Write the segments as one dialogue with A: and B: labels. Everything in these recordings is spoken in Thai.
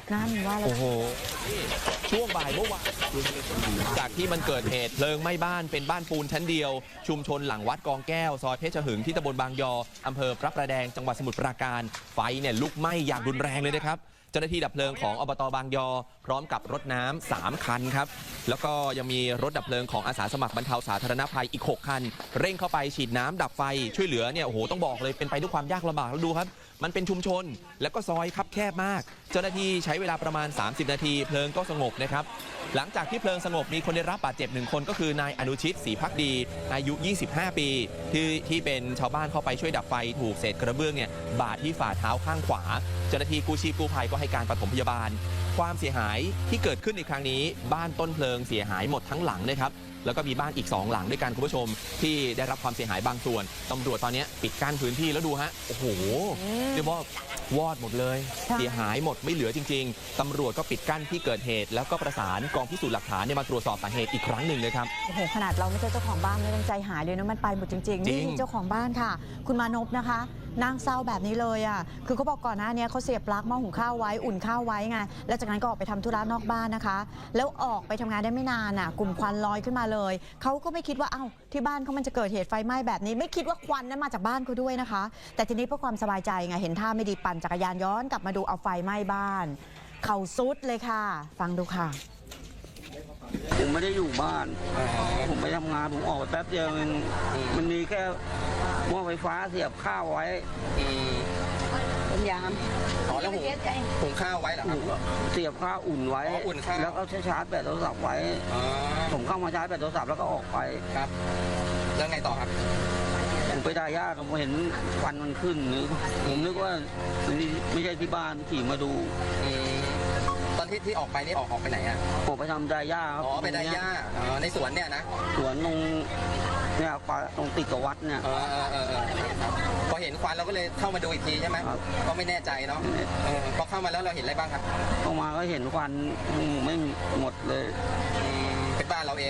A: นั่นว่าแล้ว
B: โอ้โหช่วงบ่ายเมื่อวานจากที่มันเกิดเหตุเพลิงไหม้บ้านเป็นบ้านปูนชั้นเดียวชุมชนหลังวัดกองแก้วซอยเพชรหึงที่ตำบลบางยออำเภอพระประแดงจังหวัดสมุทรปราการไฟเนี่ยลุกไหม้อย่างรุนแรงเลยนะครับเจ้าหน้าที่ดับเพลิงของอบต.บางยอพร้อมกับรถน้ำ3 คันครับแล้วก็ยังมีรถดับเพลิงของอาสาสมัครบรรเทาสาธารณภัยอีก6 คันเร่งเข้าไปฉีดน้ำดับไฟช่วยเหลือเนี่ยโอ้โหต้องบอกเลยเป็นไปด้วยความยากลำบากแล้วดูครับมันเป็นชุมชนแล้วก็ซอยคับแคบมากเจ้าหน้าที่ใช้เวลาประมาณ30 นาทีเพลิงก็สงบนะครับหลังจากที่เพลิงสงบมีคนได้รับบาดเจ็บ1 คนก็คือนายอนุชิตศรีภักดีอายุ25 ปีที่เป็นชาวบ้านเข้าไปช่วยดับไฟถูกเศษกระเบื้องเนี่ยบาดที่ฝ่าเท้าข้างขวาเจ้าหน้าที่กู้ชีพกู้ภัยก็ให้การปฐมพยาบาลความเสียหายที่เกิดขึ้นในครั้งนี้บ้านต้นเพลิงเสียหายหมดทั้งหลังนะครับแล้วก็มีบ้านอีก2 หลังด้วยกันคุณผู้ชมที่ได้รับความเสียหายบางส่วนตำรวจตอนนี้ปิดกั้นพื้นที่แล้วดูฮะโอ้โหเรียกว่าวอดหมดเลยเสียหายหมดไม่เหลือจริงๆตำรวจก็ปิดกั้นที่เกิดเหตุแล้วก็ประสานกองพิสูจน์หลักฐานมาตรวจสอบสาเหตุอีกครั้งหนึ่งเลยครับ
A: โอ้โหขนาดเราไม่ใช่เจ้าของบ้านไม่ต้องใจหายเลยนะมันไปหมดจริงๆนี่เจ้าของบ้านค่ะคุณมานพนะคะนางเศร้าแบบนี้เลยอ่ะคือเขาบอกก่อนหน้านี้เขาเสียบปลั๊กหม้อหุงข้าวไว้อุ่นข้าวไว้ไงแล้วจากนั้นก็ออกไปทำธุระนอกบ้านนะคะแล้วออกไปทำงานได้ไม่นานอ่ะกลุ่มควันลอยขึ้นมาเลยเขาก็ไม่คิดว่าที่บ้านเขามันจะเกิดเหตุไฟไหม้แบบนี้ไม่คิดว่าควันนั้นมาจากบ้านเขาด้วยนะคะแต่ทีนี้เพื่อความสบายใจไงเห็นท่าไม่ดีปั่นจักรยานย้อนกลับมาดูเอาไฟไหม้บ้านเขาซุดเลยค่ะฟังดูค่ะ
C: ผมไม่ได้อยู่บ้านผมไปทำงานผมออกไปแป๊บเดียวมันมีแค่หม้อไฟฟ้าเสียบข้าวไว้เป็นยาม
B: แล้วหุงข้าวไว้เหรอครับ
C: เสียบข้าวอุ่นไว้แล้วก็ชาร์จแบตโทรศัพท์ไว้ผมเข้ามาชาร์จแบตโทรศัพท์แล้วก็ออกไป
B: ครับแล้วไงต่อครับ
C: ผมไปได้ญาติผมเห็นควันมันขึ้นผมนึกว่าไม่ใช่ที่บ้านขี่มาดู
B: ตอนที่ออกไปนี่ออกไปไหนอ่ะ
C: ผมไปทำไดย่าครับ
B: อ๋อไปไดย่าในสวนเนี่ยนะ
C: สวนตรงเนี่ยตรงติดกับวัดเนี่ย
B: พอเห็นควันเราก็เลยเข้ามาดูอีกทีใช่ไหมก็ไม่แน่ใจเนาะพอเข้ามาแล้วเราเห็นอะไรบ้างครับ
C: เข้ามาก็เห็นควันไม่หมดเลย
B: เป็นบ้านเราเอง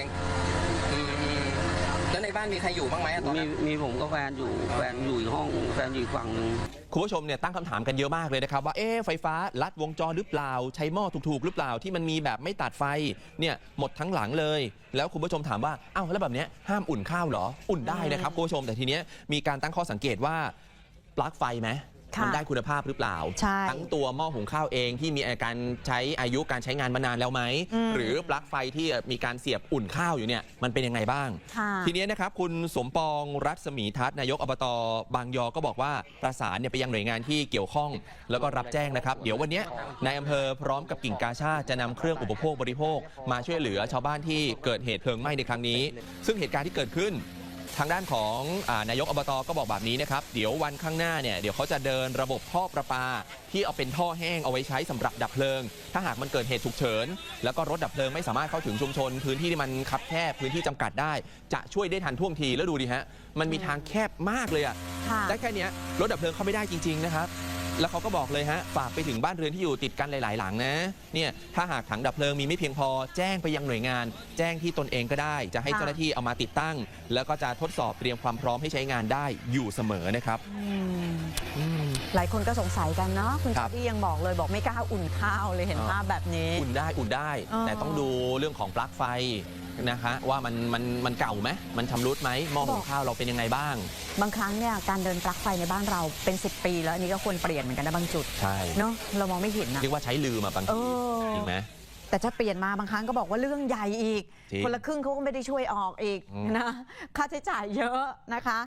B: แล้วในบ้านมีใครอยู่บ้างไหมตอนนั้น
C: มีผมกับแฟนอยู่แฟนอยู่ห้องแฟนอยู่ฝั่งนึง
B: คุณผู้ชมเนี่ยตั้งคำถามกันเยอะมากเลยนะครับว่าไฟฟ้าลัดวงจรหรือเปล่าใช้หม้อถูกๆหรือเปล่าที่มันมีแบบไม่ตัดไฟเนี่ยหมดทั้งหลังเลยแล้วคุณผู้ชมถามว่าแล้วแบบนี้ห้ามอุ่นข้าวเหรออุ่นได้นะครับคุณผู้ชมแต่ทีเนี้ยมีการตั้งข้อสังเกตว่าปลั๊กไฟไหมมันได้คุณภาพหรือเปล่าทั้งตัวหม้อหุงข้าวเองที่มีการใช้อายุการใช้งานมานานแล้วไหมหรือปลั๊กไฟที่มีการเสียบอุ่นข้าวอยู่เนี่ยมันเป็นยังไงบ้างทีนี้นะครับคุณสมปองรัศมีทัศน์นายกอบต.บางยอก็บอกว่าประสานไปยังหน่วยงานที่เกี่ยวข้องแล้วก็รับแจ้งนะครับเดี๋ยววันนี้นายอำเภอพร้อมกับกิ่งกาชาดจะนำเครื่องอุปโภคบริโภคมาช่วยเหลือชาวบ้านที่เกิดเหตุเพลิงไหม้ในครั้งนี้ซึ่งเหตุการณ์ที่เกิดขึ้นทางด้านของนายกอบต.ก็บอกแบบนี้นะครับเดี๋ยววันข้างหน้าเนี่ยเดี๋ยวเขาจะเดินระบบท่อประปาที่เอาเป็นท่อแห้งเอาไว้ใช้สำหรับดับเพลิงถ้าหากมันเกิดเหตุฉุกเฉินแล้วก็รถดับเพลิงไม่สามารถเข้าถึงชุมชนพื้นที่ที่มันคับแคบพื้นที่จำกัดได้จะช่วยได้ทันท่วงทีแล้วดูดิฮะมันมีทางแคบมากเลยได้แค่นี้รถดับเพลิงเข้าไม่ได้จริงๆนะครับแล้วเขาก็บอกเลยฮะฝากไปถึงบ้านเรือนที่อยู่ติดกันหลายๆหลังนะเนี่ยถ้าหากถังดับเพลิงมีไม่เพียงพอแจ้งไปยังหน่วยงานแจ้งที่ตนเองก็ได้จะให้เจ้าหน้าที่เอามาติดตั้งแล้วก็จะทดสอบเตรียมความพร้อมให้ใช้งานได้อยู่เสมอนะครับ
A: หลายคนก็สงสัยกันเนาะคุณชาที่ยังบอกเลยบอกไม่กล้าอุ่นข้าวเลยเห็นภาพแบบนี้
B: อุ่นได้แต่ต้องดูเรื่องของปลั๊กไฟนะคะว่ามันเก่าไหมมันชำรุดไหมหม้อหุงข้าวเราเป็นยังไงบ้าง
A: บางครั้งเนี่ยการเดินปลั๊กไฟในบ้านเราเป็น10 ปีแล้วอันนี้ก็ควรเปลี่ยนเหมือนกันนะบางจุด
B: ใช่
A: เนาะเรามองไม่เห็นนะ
B: เรียกว่าใช้ลืมบางทีจริงไหม
A: แต่ถ้าเปลี่ยนมาบางครั้งก็บอกว่าเรื่องใหญ่อีกคนละครึ่งเขาก็ไม่ได้ช่วยออกอีกนะค่าใช้จ่ายเยอะนะคะ